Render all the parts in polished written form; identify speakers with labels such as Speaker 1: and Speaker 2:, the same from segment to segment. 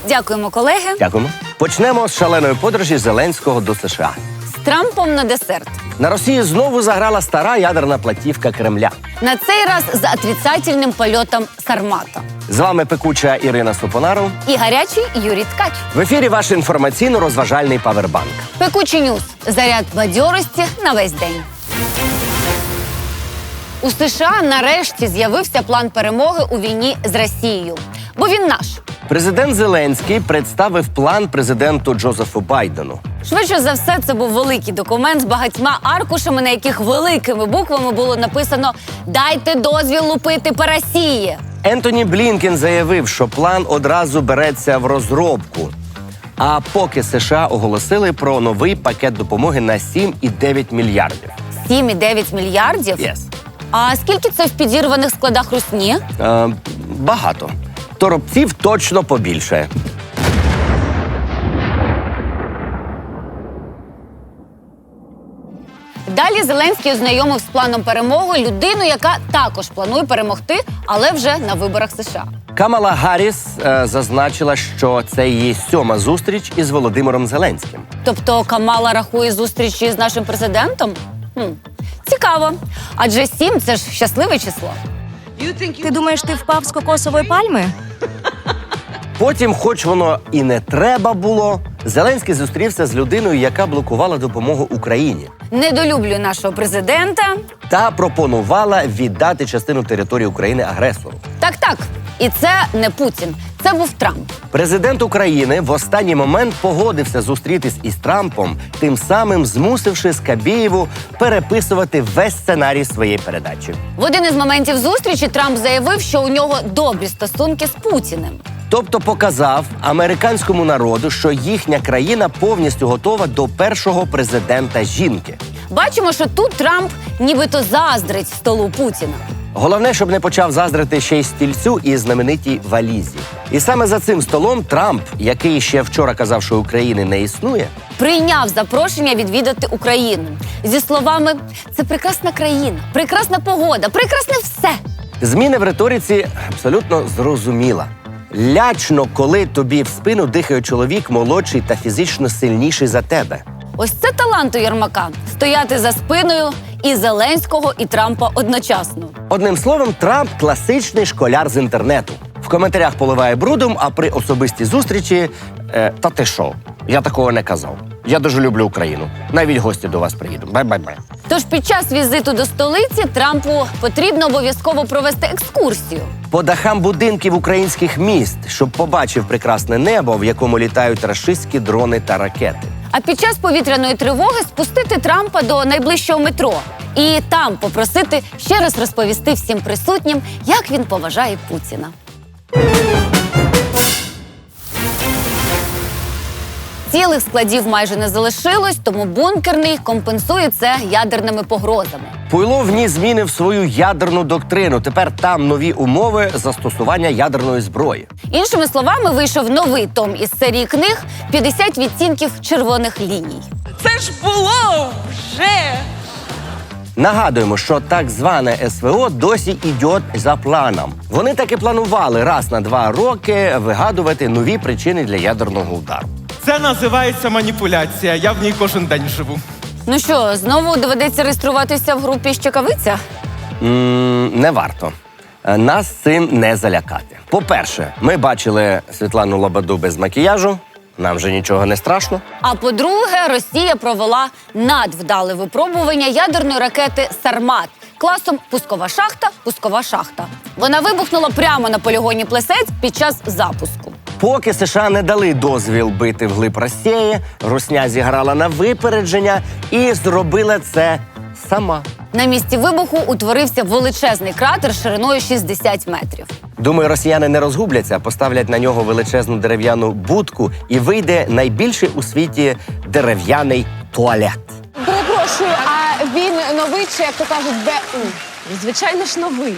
Speaker 1: Дякуємо, колеги.
Speaker 2: Дякуємо. Почнемо з шаленої подорожі Зеленського до США.
Speaker 1: З Трампом на десерт.
Speaker 2: На Росії знову заграла стара ядерна платівка Кремля.
Speaker 1: На цей раз за отрицательним польотом Сармата.
Speaker 2: З вами пекуча Ірина Сопонаров.
Speaker 1: І гарячий Юрій Ткач.
Speaker 2: В ефірі ваш інформаційно-розважальний павербанк.
Speaker 1: Пекучі Ньюс. Заряд бадьорості на весь день. У США нарешті з'явився план перемоги у війні з Росією. Бо він наш.
Speaker 2: Президент Зеленський представив план президенту Джозефу Байдену.
Speaker 1: Швидше за все, це був великий документ з багатьма аркушами, на яких великими буквами було написано «Дайте дозвіл лупити по Росії».
Speaker 2: Ентоні Блінкен заявив, що план одразу береться в розробку. А поки США оголосили про новий пакет допомоги на 7,9 мільярдів.
Speaker 1: 7,9 мільярдів?
Speaker 2: Yes.
Speaker 1: А скільки це в підірваних складах русні?
Speaker 2: Багато. Торопців точно побільше.
Speaker 1: Далі Зеленський ознайомив з планом перемоги людину, яка також планує перемогти, але вже на виборах США.
Speaker 2: Камала Гарріс зазначила, що це її 7-ма зустріч із Володимиром Зеленським.
Speaker 1: Тобто Камала рахує зустрічі з нашим президентом? Цікаво. Адже 7 – це ж щасливе число.
Speaker 3: Ти думаєш, ти впав з кокосової пальми?
Speaker 2: Потім, хоч воно і не треба було, Зеленський зустрівся з людиною, яка блокувала допомогу Україні.
Speaker 1: Недолюблює нашого президента.
Speaker 2: Та пропонувала віддати частину території України агресору.
Speaker 1: Так. І це не Путін. Це був Трамп.
Speaker 2: Президент України в останній момент погодився зустрітись із Трампом, тим самим змусивши Скабєєву переписувати весь сценарій своєї передачі.
Speaker 1: В один із моментів зустрічі Трамп заявив, що у нього добрі стосунки з Путіним.
Speaker 2: Тобто показав американському народу, що їхня країна повністю готова до першого президента жінки.
Speaker 1: Бачимо, що тут Трамп нібито заздрить столу Путіна.
Speaker 2: Головне, щоб не почав заздрити ще й стільцю і знаменитій валізі. І саме за цим столом Трамп, який ще вчора казав, що України не існує,
Speaker 1: прийняв запрошення відвідати Україну. Зі словами «Це прекрасна країна, прекрасна погода, прекрасне все».
Speaker 2: зміни в риториці абсолютно зрозуміла. Лячно, коли тобі в спину дихає чоловік молодший та фізично сильніший за тебе.
Speaker 1: Ось це талант у Єрмака – стояти за спиною і Зеленського, і Трампа одночасно.
Speaker 2: Одним словом, Трамп – класичний школяр з інтернету. В коментарях поливає брудом, а при особистій зустрічі «Та ти що? Я такого не казав. Я дуже люблю Україну. Навіть гості до вас приїдуть. Бай-бай-бай».
Speaker 1: Тож під час візиту до столиці Трампу потрібно обов'язково провести екскурсію.
Speaker 2: По дахам будинків українських міст, щоб побачив прекрасне небо, в якому літають рашистські дрони та ракети.
Speaker 1: А під час повітряної тривоги спустити Трампа до найближчого метро. І там попросити ще раз розповісти всім присутнім, як він поважає Путіна. Цілих складів майже не залишилось, тому бункерний компенсує це ядерними погрозами.
Speaker 2: Пуйло вніс зміни в свою ядерну доктрину. Тепер там нові умови застосування ядерної зброї.
Speaker 1: Іншими словами, вийшов новий том із серії книг «50 відтінків червоних ліній».
Speaker 4: Це ж було вже!
Speaker 2: Нагадуємо, що так зване СВО досі йде за планом. Вони таки планували раз на 2 роки вигадувати нові причини для ядерного удару.
Speaker 4: Це називається маніпуляція. Я в ній кожен день живу.
Speaker 1: Ну що, знову доведеться реєструватися в групі «Щекавиця»?
Speaker 2: Не варто. Нас цим не залякати. По-перше, ми бачили Світлану Лободу без макіяжу. Нам вже нічого не страшно.
Speaker 1: А по-друге, Росія провела надвдале випробування ядерної ракети «Сармат» класом пускова шахта. Вона вибухнула прямо на полігоні Плесецьк під час запуску.
Speaker 2: Поки США не дали дозвіл бити вглиб Росії, Русня зіграла на випередження і зробила це сама.
Speaker 1: На місці вибуху утворився величезний кратер шириною 60 метрів.
Speaker 2: Думаю, росіяни не розгубляться, поставлять на нього величезну дерев'яну будку і вийде найбільший у світі дерев'яний туалет.
Speaker 5: Перепрошую, а він новий чи, як то кажуть, БУ? Звичайно ж, новий.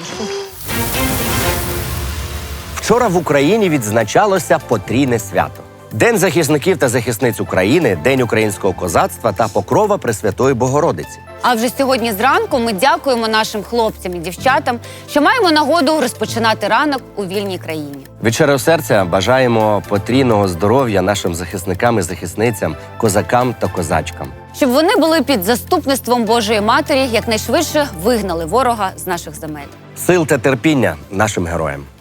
Speaker 2: Вчора в Україні відзначалося потрійне свято. День захисників та захисниць України, День українського козацтва та Покрова Пресвятої Богородиці.
Speaker 1: А вже сьогодні зранку ми дякуємо нашим хлопцям і дівчатам, що маємо нагоду розпочинати ранок у вільній країні.
Speaker 2: Від щирого серця бажаємо потрійного здоров'я нашим захисникам і захисницям, козакам та козачкам.
Speaker 1: Щоб вони були під заступництвом Божої Матері, якнайшвидше вигнали ворога з наших земель.
Speaker 2: Сил та терпіння нашим героям.